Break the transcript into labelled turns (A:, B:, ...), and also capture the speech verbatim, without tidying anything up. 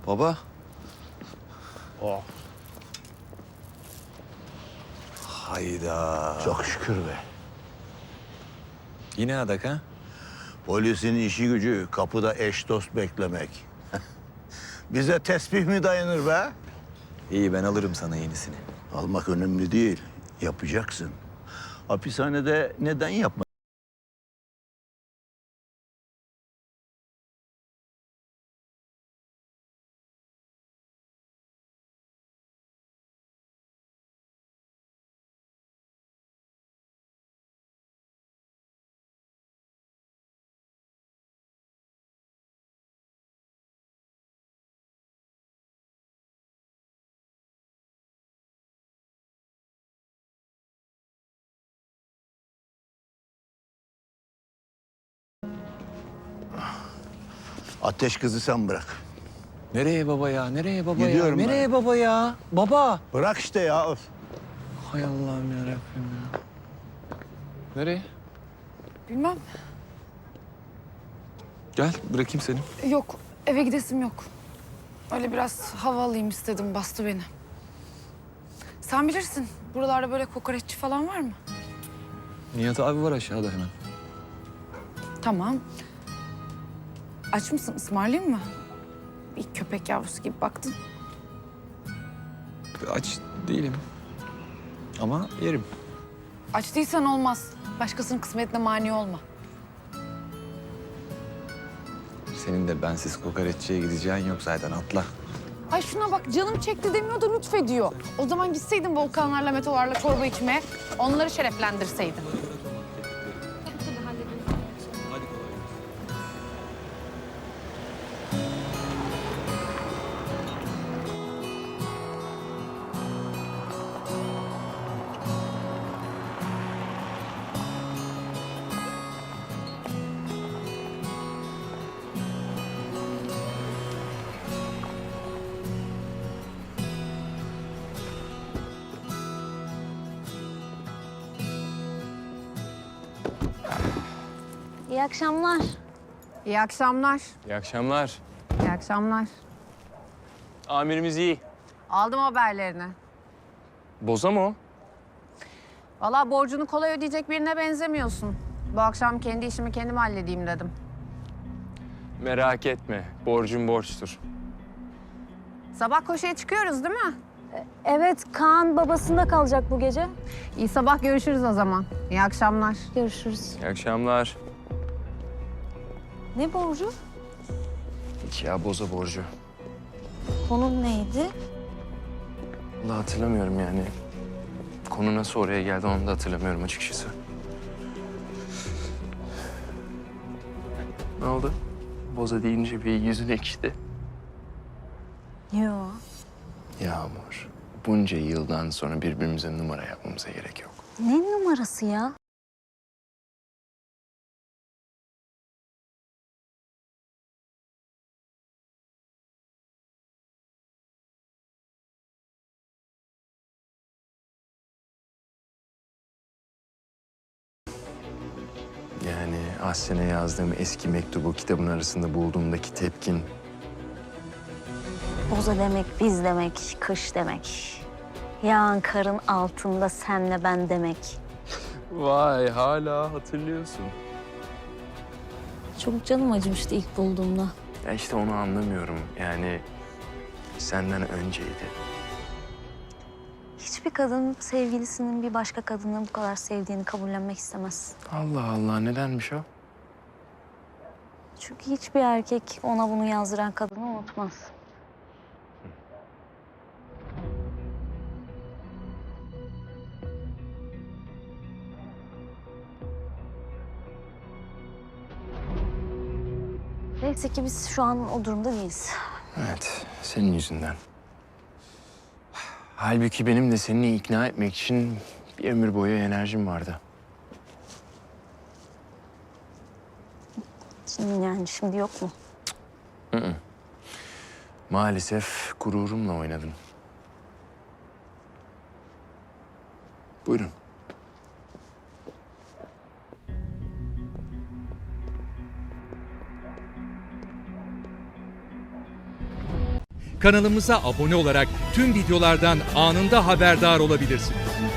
A: Baba.
B: Oh.
A: Hayda.
B: Çok şükür be.
A: Yine adak ha?
B: Polisin işi gücü kapıda eş dost beklemek. Bize tesbih mi dayanır be?
A: İyi, ben alırım sana yenisini.
B: Almak önemli değil. Yapacaksın. Hapishanede neden yapma? Ateş kızı sen bırak.
A: Nereye baba ya? Nereye baba
B: Gidiyorum
A: ya?
B: ben.
A: Nereye baba ya? Baba.
B: Bırak işte ya. Öf.
A: Hay Allah'ım yarabbim ya. Nereye?
C: Bilmem.
A: Gel, bırakayım seni.
C: Yok, eve gidesim yok. Öyle biraz hava alayım istedim, bastı beni. Sen bilirsin, buralarda böyle kokoreççi falan var mı?
A: Nihat abi var aşağıda hemen.
C: Tamam. Aç mısın, ısmarlayayım mı? Bir köpek yavrusu gibi baktın.
A: Aç değilim. Ama yerim.
C: Aç değilsen olmaz. Başkasının kısmetine mani olma.
A: Senin de bensiz kokoreççiye gideceğin yok zaten, atla.
C: Ay şuna bak, canım çekti demiyor da lütfediyor. O zaman gitseydin volkanlarla, metolarla çorba içmeye, onları şereflendirseydin.
D: İyi akşamlar.
C: İyi akşamlar.
E: İyi akşamlar.
C: İyi akşamlar.
E: Amirimiz iyi.
C: Aldım haberlerini.
E: Boza mı o?
C: Vallahi borcunu kolay ödeyecek birine benzemiyorsun. Bu akşam kendi işimi kendim halledeyim dedim.
E: Merak etme. Borcun borçtur.
C: Sabah koşuya çıkıyoruz değil mi?
D: Evet, Kaan babasında kalacak bu gece.
C: İyi sabah görüşürüz o zaman. İyi akşamlar.
D: Görüşürüz.
E: İyi akşamlar.
D: Ne borcu?
E: Hiç ya boza borcu.
D: Konum neydi?
E: Vallahi hatırlamıyorum yani. Konu nasıl oraya geldi onu da hatırlamıyorum açıkçası. Ne oldu? Boza deyince bir yüzün ekşidi.
D: Yo.
E: Yağmur, bunca yıldan sonra birbirimize numara yapmamıza gerek yok.
D: Ne numarası ya?
E: Yani Ahsen'e yazdığım eski mektubu kitabın arasında bulduğumdaki tepkin...
D: Boza demek, biz demek, kış demek. Yağan karın altında senle ben demek.
E: Vay, hala hatırlıyorsun.
D: Çok canım acımıştı ilk bulduğumda.
E: Ya işte onu anlamıyorum. Yani senden önceydi.
D: Hiçbir kadın sevgilisinin bir başka kadını bu kadar sevdiğini kabullenmek istemez.
E: Allah Allah, nedenmiş o?
D: Çünkü hiçbir erkek ona bunu yazdıran kadını unutmaz. Neyse ki biz şu an o durumda değiliz.
E: Evet, senin yüzünden. Halbuki benim de seni ikna etmek için bir ömür boyu enerjim vardı.
D: Şimdi yani şimdi yok mu?
E: Hı hı. Maalesef gururumla oynadın. Buyurun.
F: Kanalımıza abone olarak tüm videolardan anında haberdar olabilirsiniz.